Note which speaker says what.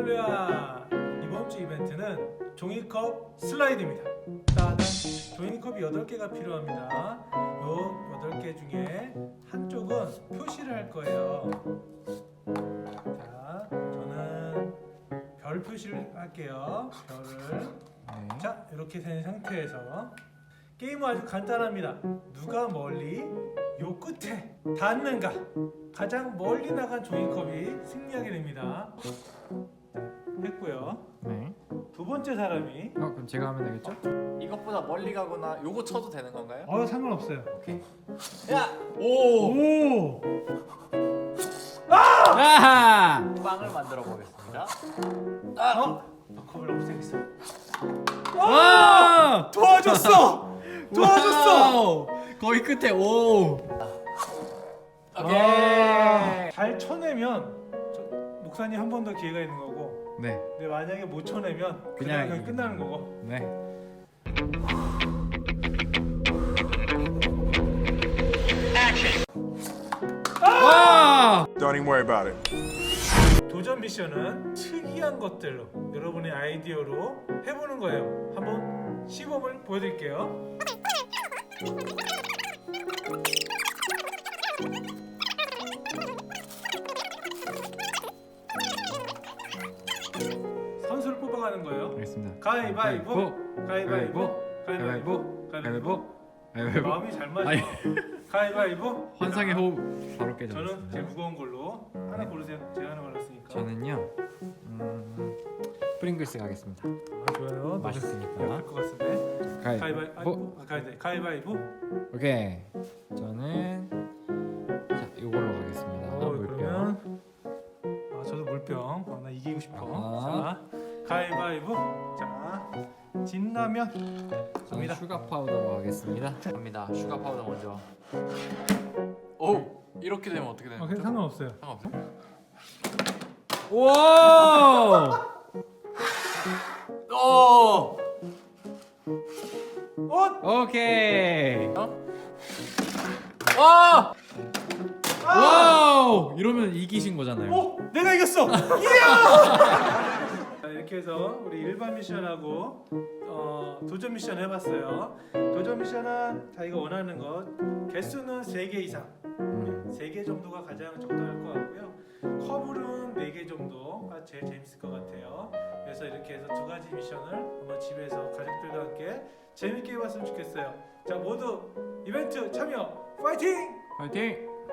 Speaker 1: 할렐루야! 이번 주 이벤트는 종이컵 슬라이드입니다. 일단은 종이컵이 8개가 필요합니다. 요 8개 중에 한쪽은 표시를 할 거예요. 자, 저는 별 표시를 할게요. 별을.
Speaker 2: 네.
Speaker 1: 자, 이렇게 된 상태에서 게임은 아주 간단합니다. 누가 멀리 요 끝에 닿는가, 가장 멀리 나간 종이컵이 승리하게 됩니다. 했고요.
Speaker 2: 네.
Speaker 1: 두 번째 사람이
Speaker 2: 그럼 제가 하면 되겠죠?
Speaker 3: 이것보다 멀리 가거나 요거 쳐도 되는 건가요?
Speaker 1: 상관없어요.
Speaker 3: 오케이. 야!
Speaker 1: 오!
Speaker 2: 아하!
Speaker 3: 빵을 만들어 보겠습니다.
Speaker 1: 컵을 없애겠어.
Speaker 2: 와!
Speaker 1: 도와줬어! 도와줬어!
Speaker 2: 와우! 거의 끝에 오!
Speaker 3: 오케이.
Speaker 1: 잘 쳐내면 목사님 한 번 더 기회가 있는 거고,
Speaker 2: 네.
Speaker 1: 근데 만약에 못 쳐내면
Speaker 2: 그냥
Speaker 1: 그냥 끝나는 거고.
Speaker 2: 네. 와!
Speaker 4: Don't even worry about it.
Speaker 1: 도전 미션은 특이한 것들로 여러분의 아이디어로 해보는 거예요. 한번 시범을 보여드릴게요. 선수를 뽑아가는 거예요.
Speaker 2: 알겠습니다.
Speaker 1: 가위바위보, 가위바위보,
Speaker 2: 가위바위보,
Speaker 1: 가위바위보.
Speaker 2: 가위바위보.
Speaker 1: 마음이 잘 맞아.
Speaker 2: 아니.
Speaker 1: 가위바위보.
Speaker 2: 환상의 호흡 바로
Speaker 1: 저는 제일
Speaker 2: 깨졌습니다.
Speaker 1: 무거운 걸로 하나 고르세요. 제가 하나 골랐으니까.
Speaker 2: 저는요. 프링글스 가겠습니다.
Speaker 1: 좋아요.
Speaker 2: 맛있으니까.
Speaker 1: 될것 같은데.
Speaker 2: 가위바위보.
Speaker 1: 가위바위보.
Speaker 2: 오케이. 저는 자, 이걸로 가겠습니다. 물병.
Speaker 1: 그러면 저도 물병. 나 이기고 싶어.
Speaker 2: 아하.
Speaker 1: 자, 가위바위보. 자, 진라면.
Speaker 2: 저는
Speaker 1: 갑니다.
Speaker 2: 슈가 파우더로 가겠습니다.
Speaker 3: 갑니다. 슈가 파우더 먼저. 오! 이렇게 되면 어떻게 되는 거죠?
Speaker 1: 상관없어요.
Speaker 3: 상관없어요?
Speaker 2: 와!
Speaker 3: 오!
Speaker 2: 오케이.
Speaker 3: 와!
Speaker 2: 와우! 이러면 이기신 거잖아요.
Speaker 1: 내가 이겼어. 이야! 자, 이렇게 해서 우리 일반 미션하고 도전 미션 해봤어요. 도전 미션은 자기가 원하는 것 개수는 3개 이상, 3개 정도가 가장 적당할 것 같고요. 커블은 4개 정도가 제일 재밌을 것 같아요. 그래서 이렇게 해서 2가지 미션을 한번 집에서 가족들과 함께 재밌게 해봤으면 좋겠어요. 자, 모두 이벤트 참여 파이팅!
Speaker 2: 파이팅!